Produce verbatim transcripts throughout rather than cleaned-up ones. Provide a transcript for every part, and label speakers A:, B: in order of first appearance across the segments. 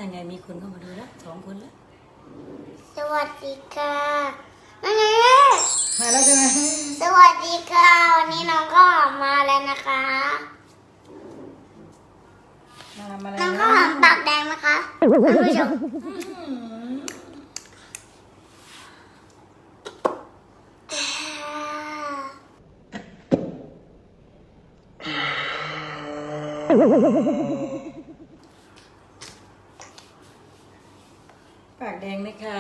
A: นั่นไงมีคนเข้ามาดูแล้วสองคนแล้ว
B: สวัสดีค่ะนั่นไง
A: มาแล้วใช่ไหม
B: สวัสดีค่ะวันนี้น้องข้าวหอมมาแล้วนะคะ
A: มามาแล้ว
B: น้องข้าวหอมปากแดงนะคะท่านผู้ชม
A: ปากแดงไหมคะ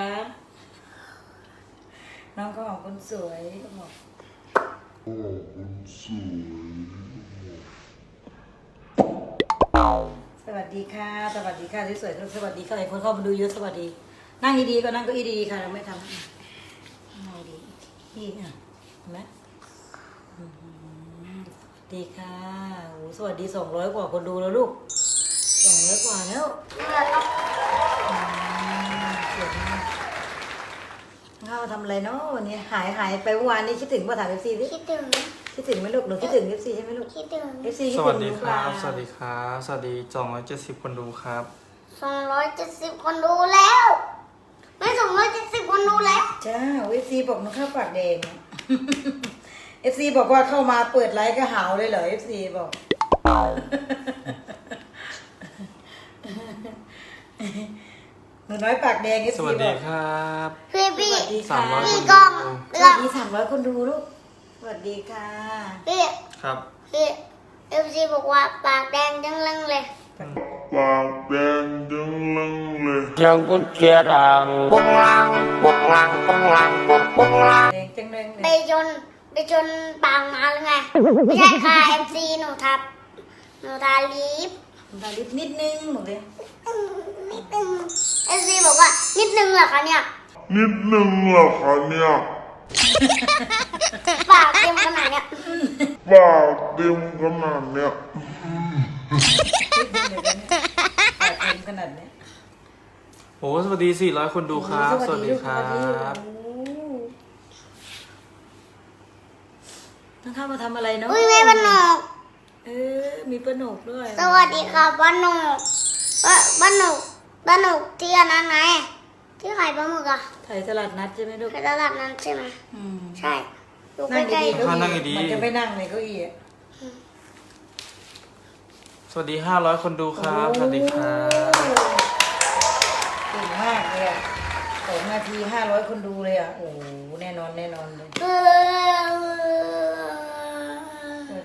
A: น้องก็ออกคนสวยก็บอกสวัสดีค่ะสวัสดีค่ะสวยๆสวัสดีค่ะหลายคนเข้ามาดูเยอะสวัสดีนั่งดีๆก็นั่งเก็อีดีๆค่ะเราไม่ทำนั่งดีนี่อ่ะเห็นไหมอืมสวัสดีค่ะโอ้สวัสดีสองร้อยกว่าคนดูแล้วลูกสองร้อยกว่าแล้วอืมสวยมากเข้ามาทำอะไรเนาะวันนี้หายหายไปเมื่อวานนี้คิดถึงป่ะถามเอฟซีดิ
B: คิดถึง
A: คิดถึงไหมลูกหนูคิดถึงเอฟซีใช่ไหมลูก
B: คิดถึง
A: เอฟซีคิด
C: ส
A: ถึง
C: วัสดี
A: หนู
C: ค
A: เปล่า
C: รับ สวัสดีครับ สวัสดีสองร้อยเจ็ดสิบคนดูครับ
B: สองร้อยเจ็ดสิบคนดูแล้ว ไม่สองร้อยเจ็ดสิบคนดูแล้ว
A: จ้าเอฟซีบอกหนูข้าวปากแดงเอฟซีบอกว่าเข้ามาเปิดไลฟ์ก็หาวเลยเหรอเอฟซีบอกหนูน้อยปากแดงเอฟ
C: ส
A: ซี
C: วัส
A: บ
C: ดี
A: อก
C: ครับ
B: พี่
A: ส
B: พี่
A: วัสดี
C: สา
A: ค่ะ
C: มร้อย
B: พี่
C: คน
B: กล้อง
C: ดู
A: ส
B: เรื่อ
A: วั
B: ง
A: สดีสามร้อยคนดูลูกสวัสดีค่ะ
B: พี่
C: ครับ
B: พี่เอฟซีบอกว่าปากแดงจังเลยเลย
D: ปากแดงจังลังเลย
E: Yang pun cerang, pulang, pulang, pulang, pulang.
A: แดงจังเลย
B: ไปชนไปชนปางมาหรือไง ไม่ใช่ค่ะเอฟซีหนูทับหนูทาลิป
A: ตาลิปนิดนึงหนูเลย
B: นิดนึงเอฟซีบอกว่านิดนึงเหรอคะเนี่ย
D: นิดนึงเหรอคะเนี่ย
B: ปากเต็มขนาดเนี้ย
D: ปากเต็มขนาดเนี้ย
A: นิดนึงเดี๋ยวนี้ปากเต็มขนาดเนี้ย
C: โอ้สวัสดีสี่ร้อยคนดูครับ สวัสดีครั
A: สวัสดี
C: บ
A: โอ้น้องข้าวมาทำอะไรเนาะ
B: อุ้ยแม่บ้านนอก
A: เออ มีปลาหนกด้วย
B: สวัสดีค่ะบ้านนอกเอ้ยบ้านนอกบ้านนอกที่อันนั้นไงที่ขายปลาหมึกอะ
A: ถ่ายตลาดนัดใช่ไหมลูก
B: ขายตลาดนั้นใช่ไหม
A: อืม
B: ใช่อยู่
A: นั่ง
B: ใกล้
A: ดีๆเก้า
C: ถ้านั่ง
A: อี้
C: ดีๆ
A: มันจะไม่นั่งเลยเก้าอี้อะ
C: สวัสดีห้าร้อยคนดูครับ สวัสดีครับ
A: เก่งมากเลยอะสองนาทีห้าร้อยคนดูเลยอ่ะ โอ้โหแน่นอนแน่นอนเลย
B: ๆเออก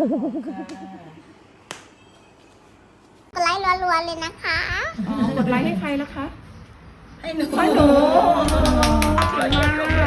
B: ดไลค์รัวๆเลยนะคะ
F: กดไลค์ให้ใครแล้วคะ
A: ให้หนู
F: ให้หนูเก่งมาก